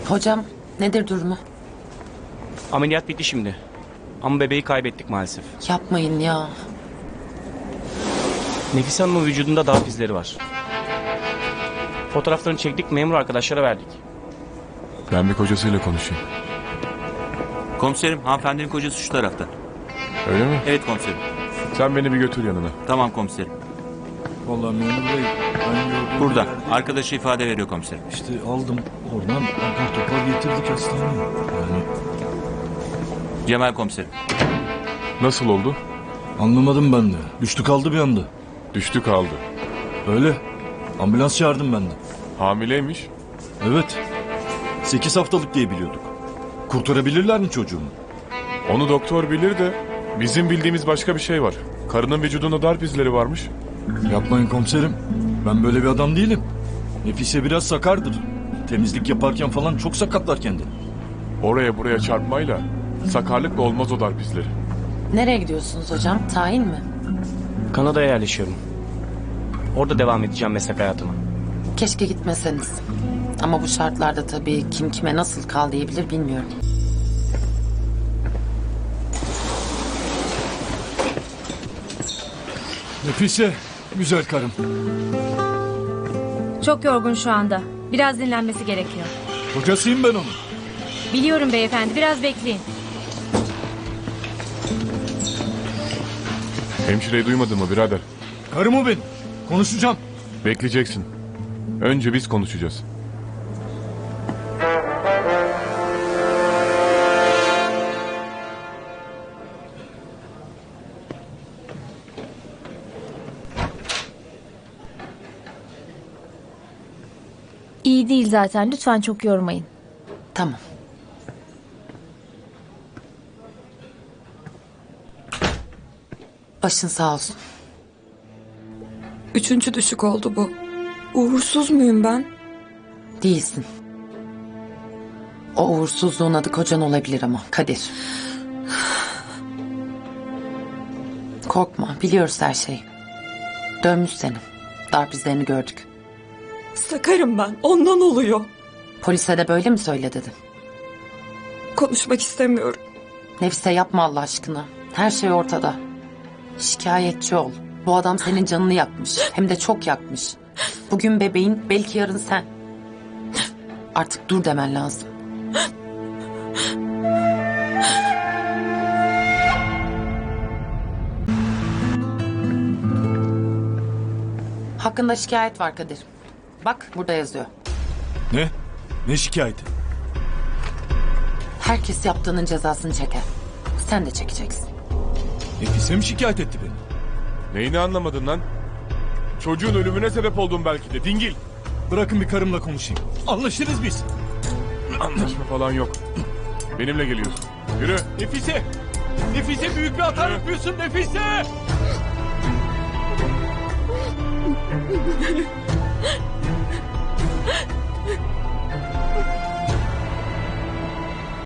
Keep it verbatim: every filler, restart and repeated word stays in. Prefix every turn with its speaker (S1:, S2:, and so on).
S1: Hocam nedir durumu?
S2: Ameliyat bitti şimdi. Ama bebeği kaybettik maalesef.
S1: Yapmayın ya.
S2: Nefise Hanım'ın vücudunda darp izleri var. Fotoğraflarını çektik, memur arkadaşlara verdik.
S3: Ben bir kocasıyla konuşayım.
S4: Komiserim, hanımefendinin kocası şu tarafta.
S3: Öyle mi?
S4: Evet komiserim.
S3: Sen beni bir götür yanına.
S4: Tamam komiserim.
S5: Vallahi memur bey, ben gördüm.
S4: Burada. Arkadaşı ifade veriyor komiserim.
S5: İşte aldım oradan apar topar getirdik hastaneye. Yani
S4: Cemal komiserim.
S3: Nasıl oldu?
S5: anlamadım ben de. Düştü kaldı bir anda.
S3: Düştü kaldı.
S5: Öyle. Ambulans çağırdım ben de.
S3: Hamileymiş.
S5: Evet. Sekiz haftalık diye biliyorduk. Kurtarabilirler mi çocuğumu?
S3: Onu doktor bilir de bizim bildiğimiz başka bir şey var. Karının vücudunda darp izleri varmış.
S5: Yapmayın komiserim. Ben böyle bir adam değilim. Nefise biraz sakardır. Temizlik yaparken falan çok sakatlar kendini.
S3: Oraya buraya çarpmayla sakarlıkla olmaz o darp izleri.
S1: Nereye gidiyorsunuz hocam? Tayin mi?
S2: Kanada'ya yerleşiyorum. Orada devam edeceğim meslek hayatıma.
S1: Keşke gitmeseniz. Ama bu şartlarda tabii kim kime nasıl kal diyebilir bilmiyorum.
S5: Nefise, güzel karım.
S6: Çok yorgun şu anda. Biraz dinlenmesi gerekiyor.
S5: Kocasıyım ben onun.
S6: Biliyorum beyefendi, biraz bekleyin.
S3: Hemşireyi duymadın mı birader?
S5: Karım o benim. Konuşacağım.
S3: Bekleyeceksin. Önce biz konuşacağız.
S6: İyi değil zaten, lütfen çok yormayın.
S1: Tamam. Başın sağ olsun.
S7: Üçüncü düşük oldu bu. Uğursuz muyum ben?
S1: Değilsin. O uğursuzluğun adı kocan olabilir ama Kadir. Korkma, biliyoruz her şeyi. Dönmüş seni. Darp izlerini gördük.
S7: Sakarım ben. Ondan oluyor.
S1: Polise de böyle mi söyle dedi.
S7: Konuşmak istemiyorum.
S1: Nefise yapma Allah aşkına. Her şey ortada. Şikayetçi ol. Bu adam senin canını yakmış. Hem de çok yakmış. Bugün bebeğin, belki yarın sen. Artık dur demen lazım. Hakkında şikayet var Kadir. Bak burada yazıyor.
S5: Ne? Ne şikayeti?
S1: Herkes yaptığının cezasını çeker. Sen de çekeceksin.
S5: Nefise mi şikayet etti beni?
S3: Neyini anlamadın lan? Çocuğun ölümüne sebep oldun belki de dingil.
S5: Bırakın bir karımla konuşayım. Anlaşırız biz.
S3: Anlaşma falan yok. Benimle geliyorsun. Yürü.
S5: Nefise! Nefise büyük bir hata yapıyorsun Nefise!